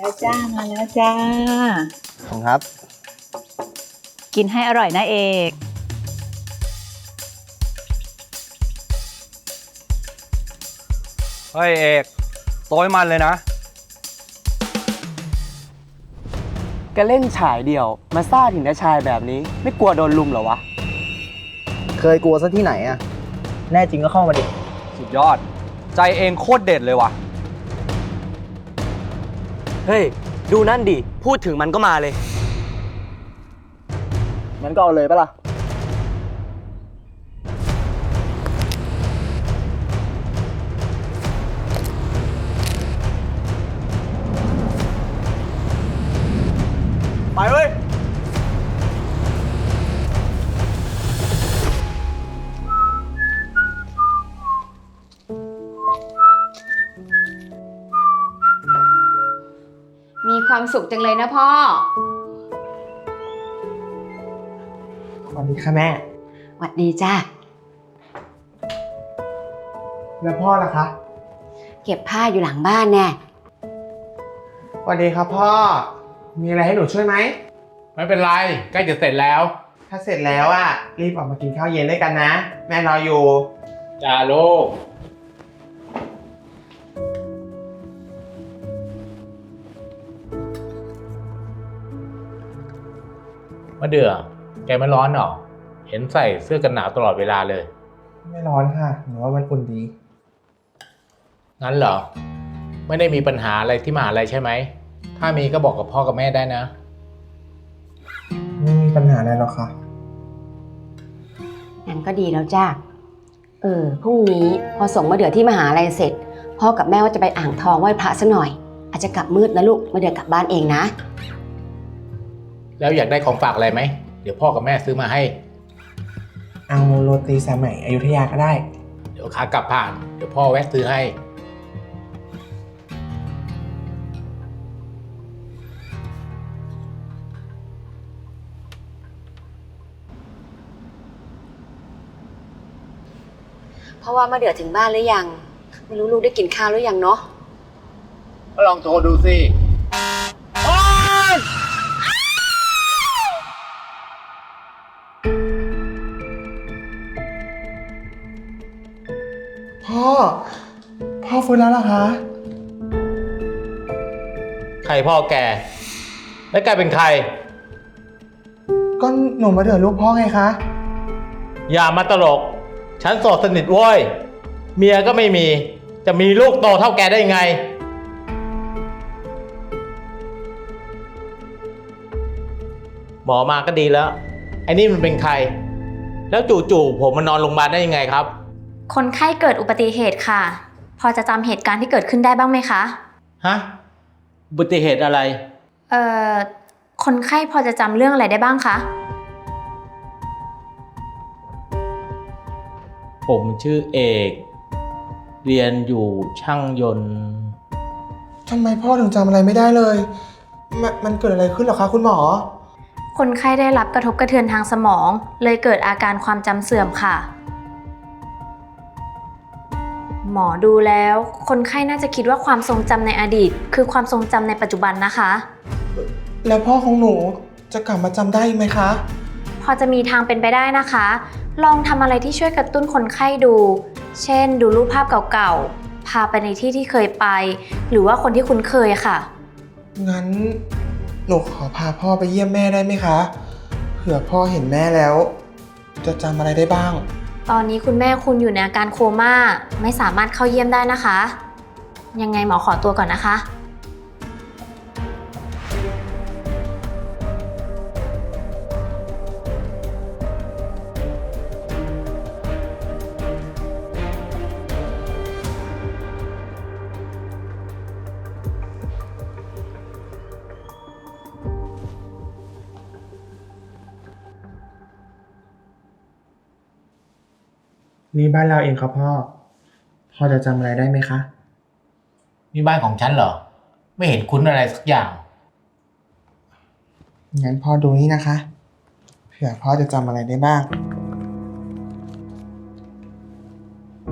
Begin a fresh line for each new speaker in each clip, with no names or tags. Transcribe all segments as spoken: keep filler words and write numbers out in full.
แล้วจ้ามาแล้วจ้า
ขอบคุณครับ
กินให้อร่อยนะเอก
เฮ้ยเอกโต้ยมันเลยนะ
ก็เล่นฉายเดี่ยวมาซ่าถึงได้ชายแบบนี้ไม่กลัวโดนลุมเหรอวะเคยกลัวซะที่ไหนอะแน่จริงก็เข้ามาดิ
สุดยอดใจเองโคตรเด็ดเลยว่ะ
เฮ้ยดูนั่นดิพูดถึงมันก็มาเลยงั้นก็เอาเลยปะล่ะไปเว้ย
มีความสุขจังเลยนะพ่อ
สวัสดีค่ะแม่
สวัสดีจ้า
แล้วพ่อล่ะคะ
เก็บผ้าอยู่หลังบ้านแน่
สวัสดีครับพ่อมีอะไรให้หนูช่วยไหม
ไม่เป็นไรใกล้จะเสร็จแล้ว
ถ้าเสร็จแล้วอ่ะรีบออกมากินข้าวเย็นด้วยกันนะแม่รออยู่
จ้าลูกมะเดื่อแกไม่ร้อนหรอเห็นใส่เสื้อกันหนาวตลอดเวลาเลย
ไม่ร้อนค่ะหนูว่ามันอุ่นดี
งั้นเหรอไม่ได้มีปัญหาอะไรที่มหาลัยใช่ไหมถ้ามีก็บอกกับพ่อกับแม่ได้นะ
ไม่มีปัญหาอะไรหรอกค่ะ
งั้นก็ดีแล้วจ้าเออพรุ่งนี้พอส่งมาเดือที่มหาลัยเสร็จพ่อกับแม่ว่าจะไปอ่างทองไหว้พระซะหน่อยอาจจะกลับมืดนะลูกมาเดือกลับบ้านเองนะ
แล้วอยากได้ของฝากอะไรไหมเดี๋ยวพ่อกับแม่ซื้อมาให้
เอาโรตีสายไหมอยุธยาก็ได้
เดี๋ยวขากลับผ่านเดี๋ยวพ่อแวะซื้อให้
เพราะว่ามาเดือถึงบ้านหรือยังไม่รู้ลูกได้กินข้าวหรือยังเนาะ
ก็ลองโทรดูสิ
พ่อพ่อฟื้นแล้วเหรอคะ
ใครพ่อแกแล้วแกเป็นใคร
ก็หนูมาเดือดลูกพ่อไงคะ
อย่ามาตลกฉันโสดสนิทเว้ยเมียก็ไม่มีจะมีลูกโตเท่าแกได้ไงหมอมาก็ดีแล้วไอ้นี่มันเป็นใครแล้วจู่ๆผมมานอนโรงพยาบาลได้ยังไงครับ
คนไข้เกิดอุบัติเหตุค่ะพอจะจำเหตุการณ์ที่เกิดขึ้นได้บ้างไหมคะ
ฮะอุบัติเหตุอะไร
เอ่อคนไข้พอจะจำเรื่องอะไรได้บ้างคะ
ผมชื่อเอกเรียนอยู่ช่างยนต์
ทำไมพ่อถึงจำอะไรไม่ได้เลยมมันเกิดอะไรขึ้นหรอคะคุณหมอ
คนไข้ได้รับกระทบกระเทือนทางสมองเลยเกิดอาการความจำเสื่อมค่ะหมอดูแล้วคนไข้น่าจะคิดว่าความทรงจำในอดีตคือความทรงจำในปัจจุบันนะคะ
แล้วพ่อของหนูจะกลับมาจำได้ไหมคะ
พอจะมีทางเป็นไปได้นะคะลองทำอะไรที่ช่วยกระตุ้นคนไข้ดูเช่นดูรูปภาพเก่าๆพาไปในที่ที่เคยไปหรือว่าคนที่คุ้นเคยค่ะ
งั้นหนูขอพาพ่อไปเยี่ยมแม่ได้ไหมคะเผื่อพ่อเห็นแม่แล้วจะจำอะไรได้บ้าง
ตอนนี้คุณแม่คุณอยู่ในอาการโคม่าไม่สามารถเข้าเยี่ยมได้นะคะยังไงหมอขอตัวก่อนนะคะ
นี่บ้านเราเองครับพ่อพ่อจะจำอะไรได้ไหมคะ
นี่บ้านของฉันเหรอไม่เห็นคุ้นอะไรสักอย่าง
งั้นพ่อดูนี่นะคะเผื่อพ่อจะจำอะไรได้บ้าง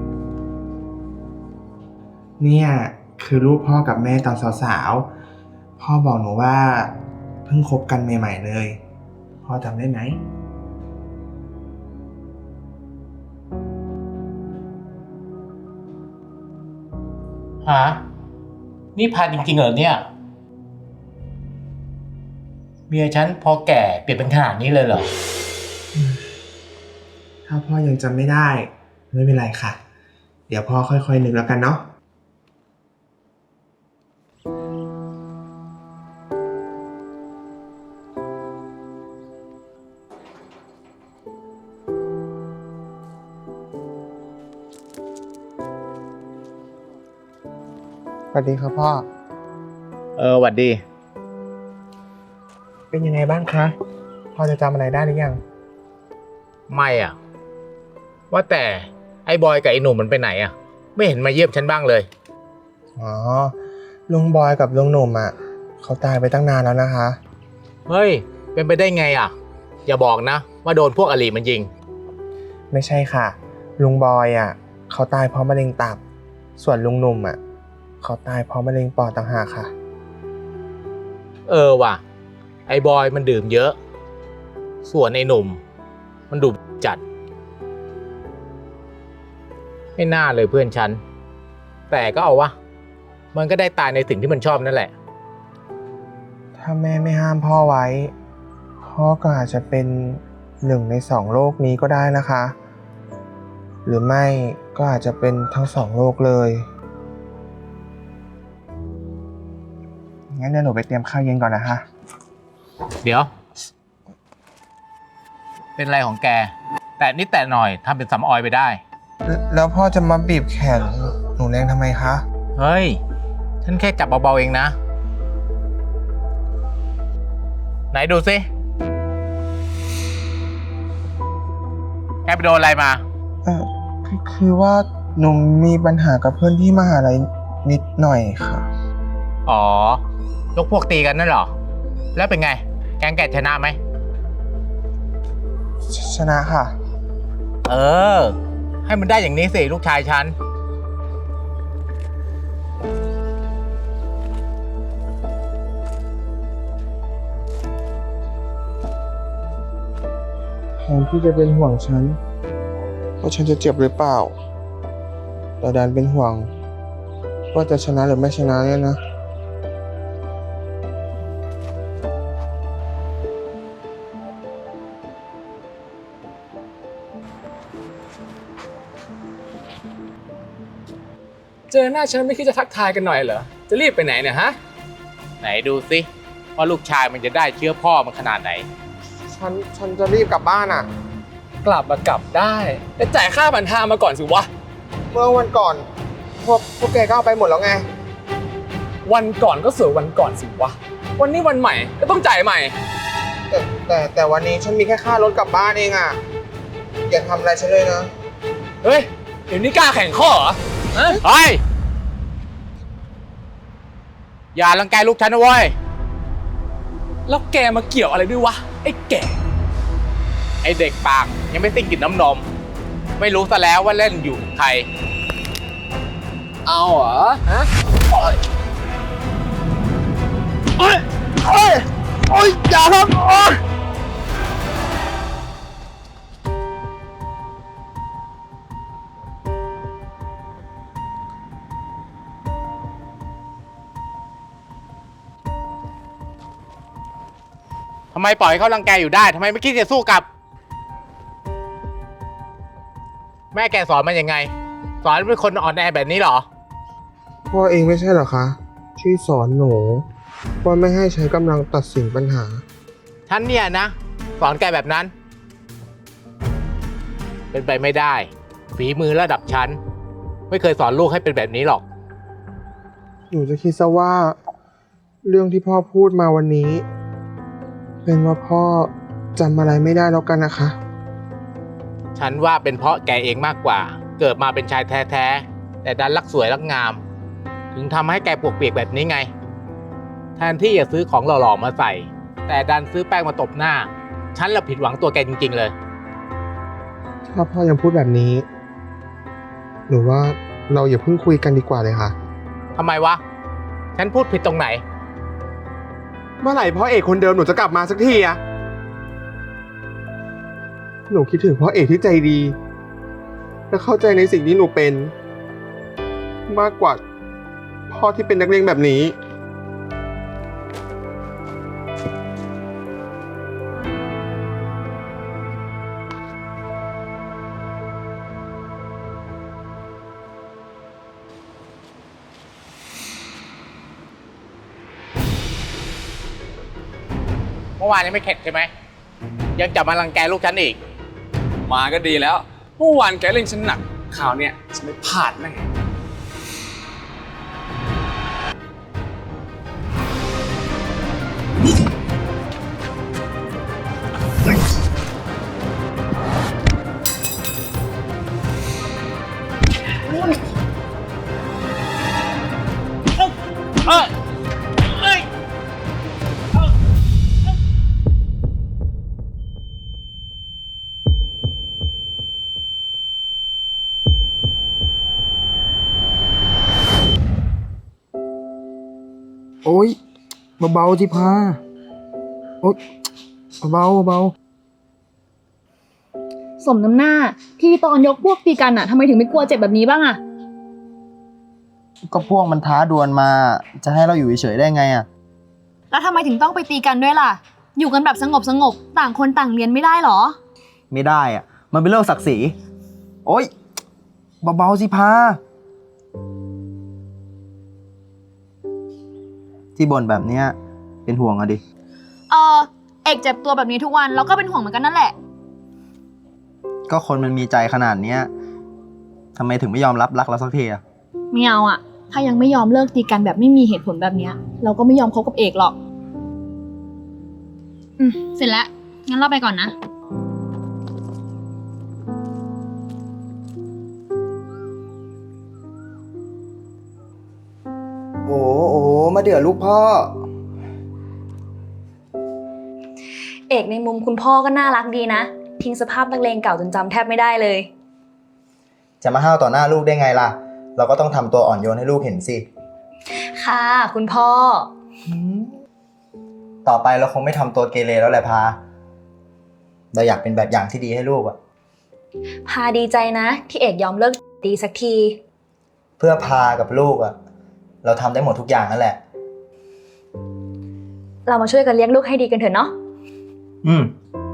เนี่ยคือรูปพ่อกับแม่ตอนสาวๆ
พ่อบอกหนูว่าเพิ่งคบกันใหม่ๆเลย พ่อจำได้ไหม
ฮะ นี่พาจริงๆเหรอเนี่ย เมียฉันพอแก่เปลี่ยนเป็นขนาดนี้เลยเหรอ
ถ้าพ่อยังจำไม่ได้ไม่เป็นไรค่ะ เดี๋ยวพ่อค่อยๆนึกแล้วกันเนาะ สวัสดีครับพ่อ
เออหวัดดี
เป็นยังไงบ้างคะ พ่อจะจำอะไรได้หรือยัง
ไม่อ่ะ ว่าแต่ไอ้บอยกับไอ้หนุ่มมันไปไหนอ่ะ ไม่เห็นมาเยี่ยมฉันบ้างเลย
อ๋อ ลุงบอยกับลุงหนุ่มอ่ะเขาตายไปตั้งนานแล้วนะคะ
เฮ้ย เป็นไปได้ไงอ่ะ อย่าบอกนะ ว่าโดนพวกอลีมันยิง
ไม่ใช่ค่ะ ลุงบอยอ่ะเขาตายเพราะมะเร็งตับ ส่วนลุงหนุ่มอ่ะเขาตายเพราะมะเร็งปอดต่างหากค่ะ
เออว่ะ ไอ้บอยมันดื่มเยอะ ส่วนไอ้หนุ่ม มันดูจัด ไม่น่าเลยเพื่อนฉัน แต่ก็เอาวะ มันก็ได้ตายในสิ่งที่มันชอบนั่นแหละ
ถ้าแม่ไม่ห้ามพ่อไว้ พ่อก็อาจจะเป็นหนึ่งในสองโลกนี้ก็ได้นะคะ หรือไม่ก็อาจจะเป็นทั้งสองโลกเลยงั้นเดี๋ยวหนูไปเตรียมข้าวเย็นก่อนนะคะ
เดี๋ยว เป็นไรของแก แต่นิดแต่หน่อยทำเป็นสำออยไปได้
แล้วแล้วพ่อจะมาบีบแขนหนูแรงทำไมคะ
เฮ้ย ฉันแค่จับเบาๆเองนะ ไหนดูสิ แกไปโดนอะไรมา
เออคือคือว่าหนูมีปัญหากับเพื่อนที่มหาลัยนิดหน่อยค่ะ
อ๋อ ยกพวกตีกันนั่นเหรอ แล้วเป็นไง แกงแกชนะไหม
ชชนะค่ะ
เออ ให้มันได้อย่างนี้สิลูกชายฉัน
แทนที่จะเป็นห่วงฉันว่าฉันจะเจ็บหรือเปล่า แต่ดันเป็นห่วงว่าจะชนะหรือไม่ชนะเนี่ยนะ
เจอหน้าฉันไม่คิดจะทักทายกันหน่อยเหรอ จะรีบไปไหนเนี่ยฮะ
ไหนดูสิว่าลูกชายมันจะได้เชื้อพ่อมันขนาดไหน
ฉันฉันจะรีบกลับบ้านอ่ะ
กลับมากลับได้ แต่จ่ายค่าผ่านทางมาก่อนสิวะ
เมื่อวันก่อน พวกพวกแกก็เอาไปหมดแล้วไง
วันก่อนก็สวยวันก่อนสิวะ วันนี้วันใหม่ก็ต้องจ่ายใหม่
แต่แต่แต่วันนี้ฉันมีแค่ค่ารถกลับบ้านเองอ่ะ อย่าทำอะไรฉันเลยนะ
เฮ้ย เดี๋ยวนี้กล้าแข่งข้อเหรอฮะ
เฮ้ย อย่ารังแกลูกฉันนะเว้ย
แล้วแกมาเกี่ยวอะไรด้วยวะ ไอ้แก่
ไอเด็กปากยังไม่สิ้นกลิ่นน้ำนม ไม่รู้ซะแล้วว่าเล่นอยู่กับใคร
เอาเหรอ ฮะ
โอ๊ยโอ๊ยโอ๊ยอย่าครับโอ๊ย
ทำไมปล่อยให้เขารังแกอยู่ได้ ทำไมไม่คิดจะสู้กลับ แม่แกสอนมันยังไง สอนเป็นคนอ่อนแอแบบนี้เหรอ
พ่อเองไม่ใช่เหรอคะ ที่สอนหนูว่าไม่ให้ใช้กำลังตัดสินปัญหา
ฉันเนี่ยนะ สอนแกแบบนั้น เป็นไปไม่ได้ ฝีมือระดับฉัน ไม่เคยสอนลูกให้เป็นแบบนี้หรอก
หนูจะคิดซะว่า เรื่องที่พ่อพูดมาวันนี้ เป็นว่าพ่อจำอะไรไม่ได้แล้วกันนะคะ
ฉันว่าเป็นเพราะแกเองมากกว่า เกิดมาเป็นชายแท้ๆ แต่ดันรักสวยรักงาม ถึงทำให้แกปวกเปียกแบบนี้ไง แทนที่จะซื้อของหล่อๆมาใส่ แต่ดันซื้อแป้งมาตบหน้า ฉันละผิดหวังตัวแกจริงๆเลย
ถ้าพ่อยังพูดแบบนี้ หนูว่าเราอย่าเพิ่งคุยกันดีกว่าเลยค่ะ
ทำไมวะ ฉันพูดผิดตรงไหน
เมื่อไหร่พ่อเอกคนเดิมหนูจะกลับมาสักทีอะหนูคิดถึงพ่อเอกที่ใจดี และเข้าใจในสิ่งที่หนูเป็น มากกว่าพ่อที่เป็นนักเลงแบบนี้
เมื่อวานยังไม่เข็ดใช่ไหม ยังจะมารังแกลูกฉันอีก
มาก็ดีแล้ว เมื่อวานแกเล่นฉันหนักคราวเนี้ยฉันไม่พลาดแน่
เออเอ้ย
โอ๊ยเบาๆจิพาโอ๊ยเบาๆเบา
สมน้ำหน้าที่ตอนยกพวกตีกันอะทำไมถึงไม่กลัวเจ็บแบบนี้บ้างอะ
ๆก็พวกมันท้าดวลมา จะให้เราอยู่เฉยๆได้ไงอะ
แล้วทำไมถึงต้องไปตีกันด้วยล่ะ อยู่กันแบบสงบสงบต่างคนต่างเรียนไม่ได้หรอ
ไม่ได้อะมันเป็นเรื่องศักดิ์ศรีโอ๊ยเบาๆสิพาที่บ่นแบบเนี้ยเป็นห่วงอะดิ
เออเอกเจ็บตัวแบบนี้ทุกวันเราก็เป็นห่วงเหมือนกันนั่นแหละ
ก็คนมันมีใจขนาดเนี้ยทำไมถึงไม่ยอมรับรักเราสักทีอะ
ไม่เอาอะถ้ายังไม่ยอมเลิกตีกันแบบไม่มีเหตุผลแบบเนี้ยเราก็ไม่ยอมคบกับเอกหรอก อืมเสร็จแล้ว งั้นเราไปก่อนนะ
โอ้โอ้มาเดือดลูกพ่อ
เอกในมุมคุณพ่อก็น่ารักดีนะ ทิ้งสภาพนักเลงเก่าจนจำแทบไม่ได้เลย
จะมาห้าวต่อหน้าลูกได้ไงล่ะ เราก็ต้องทำตัวอ่อนโยนให้ลูกเห็นสิ
ค่ะคุณพ่อ
ต่อไปเราคงไม่ทำตัวเกเรแล้วแหละพา เราอยากเป็นแบบอย่างที่ดีให้ลูกอะ
พาดีใจนะ ที่เอกยอมเลิกดีสักที
เพื่อพากับลูกอะเราทำได้หมดทุกอย่างนั่นแหละ
เรามาช่วยกันเลี้ยงลูกให้ดีกันเถอะเนาะ
อืม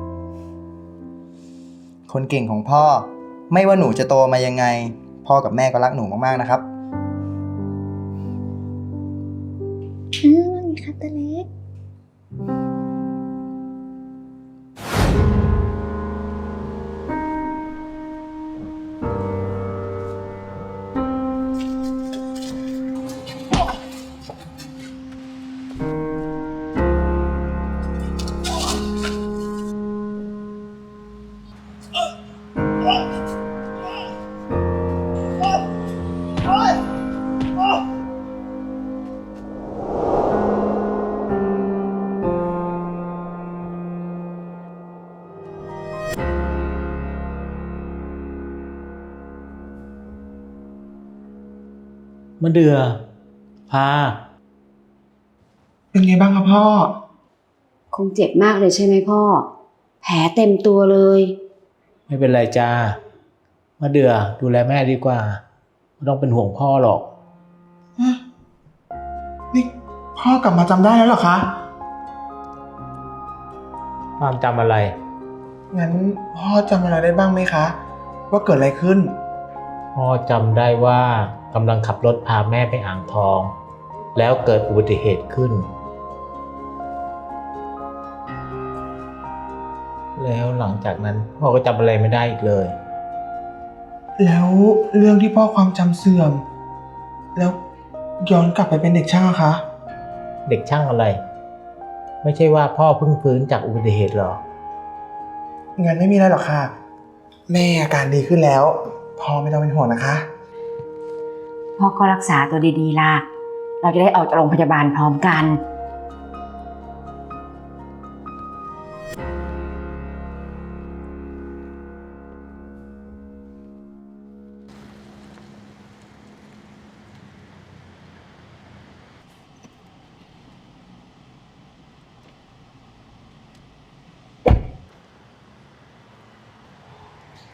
คนเก่งของพ่อ ไม่ว่าหนูจะโตมายังไง พ่อกับแม่ก็รักหนูมากๆนะครับ
อืมว่าไงคะตาเล็ก
มะเดือ พา
เป็นไงบ้างครับพ่อ
คงเจ็บมากเลยใช่ไหมพ่อ แผลเต็มตัวเลย
ไม่เป็นไรจ้า มะเดือดูแลแม่ดีกว่า ไม่ต้องเป็นห่วงพ่อหรอก
นี่พ่อกลับมาจำได้แล้วเหรอคะ
ความจำอะไร
งั้นพ่อจำอะไรได้บ้างไหมคะ ว่าเกิดอะไรขึ้น
พ่อจำได้ว่ากำลังขับรถพาแม่ไปอ่างทอง แล้วเกิดอุบัติเหตุขึ้น แล้วหลังจากนั้นพ่อก็จำอะไรไม่ได้อีกเลย
แล้วเรื่องที่พ่อความจำเสื่อม แล้วย้อนกลับไปเป็นเด็กช่างอะคะ
เด็กช่างอะไร ไม่ใช่ว่าพ่อเพิ่งฟื้นจากอุบัติเหตุหรอ
งั้นไม่มีอะไรหรอกค่ะ แม่อาการดีขึ้นแล้ว พ่อไม่ต้องเป็นห่วงนะคะ
พ่อก็รักษาตัวดีๆล่ะ เราจะได้ออกจากโรงพยาบาลพร้อมกัน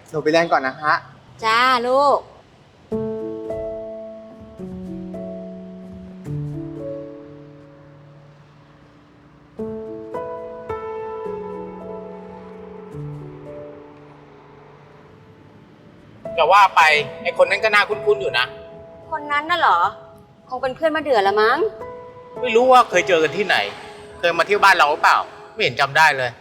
หนูไปเรียนก่อนนะฮะ
จ้าลูก
จะว่าไปไอคนนั้นก็น่าคุ้นๆอยู่นะ
คนนั้นน่ะเหรอ คงเป็นเพื่อนมาเดือละมั้ง
ไม่รู้ว่าเคยเจอกันที่ไหน เคยมาเที่ยวบ้านเราหรือเปล่า ไม่เห็นจำได้เลย